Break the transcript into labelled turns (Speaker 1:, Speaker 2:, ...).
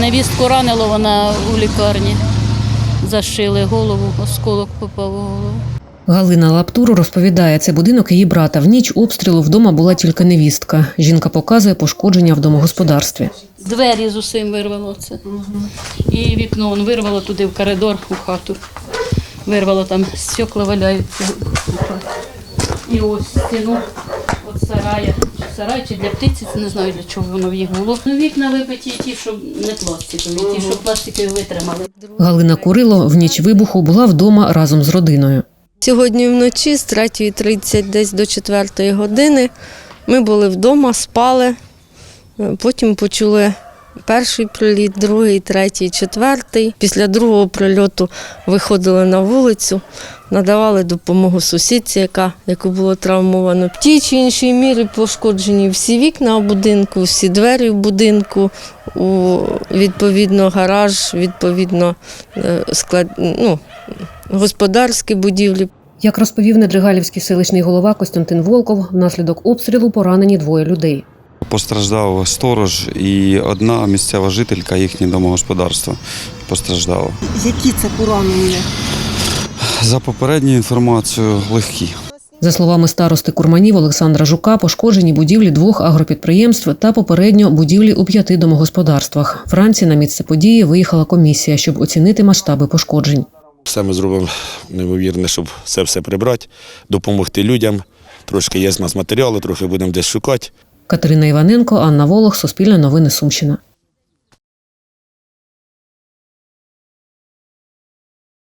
Speaker 1: Невістку ранило, вона у лікарні. Зашили голову, осколок попав у голову.
Speaker 2: Галина Лаптур розповідає, це будинок її брата. В ніч обстрілу вдома була тільки невістка. Жінка показує пошкодження в домогосподарстві.
Speaker 1: Двері з усім вирвало це. І вікно вирвало туди в коридор, у хату. Вирвало, там стекла валяються у хаті. І ось стіну від сарая. Сарай чи для птиці, не знаю для чого воно в їх було. Вікна вибиті ті, що не пластикові, ті, що пластикові витримали.
Speaker 2: Галина Курило в ніч вибуху була вдома разом з родиною.
Speaker 3: Сьогодні вночі з 3:30 десь до 4 години ми були вдома, спали, потім почули перший приліт, другий, третій, четвертий. Після другого прильоту виходили на вулицю, надавали допомогу сусідці, яку було травмовано. В тій чи іншій мірі пошкоджені всі вікна у будинку, всі двері в будинку, відповідно гараж, відповідно господарські будівлі.
Speaker 2: Як розповів Недригалівський селищний голова Костянтин Волков, внаслідок обстрілу поранені 2 людей.
Speaker 4: Постраждав сторож і одна місцева жителька, їхнє домогосподарство постраждало.
Speaker 5: Які це поранення?
Speaker 4: За попередньою інформацією, легкі.
Speaker 2: За словами старости Курманів Олександра Жука, пошкоджені будівлі 2 агропідприємств та попередньо будівлі у 5 домогосподарствах. Вранці на місце події виїхала комісія, щоб оцінити масштаби пошкоджень.
Speaker 6: Все ми зробимо неймовірне, щоб це все прибрати, допомогти людям. Трошки є з нас матеріали, трохи будемо десь шукати.
Speaker 2: Катерина Іваненко, Анна Волох, Суспільне новини, Сумщина.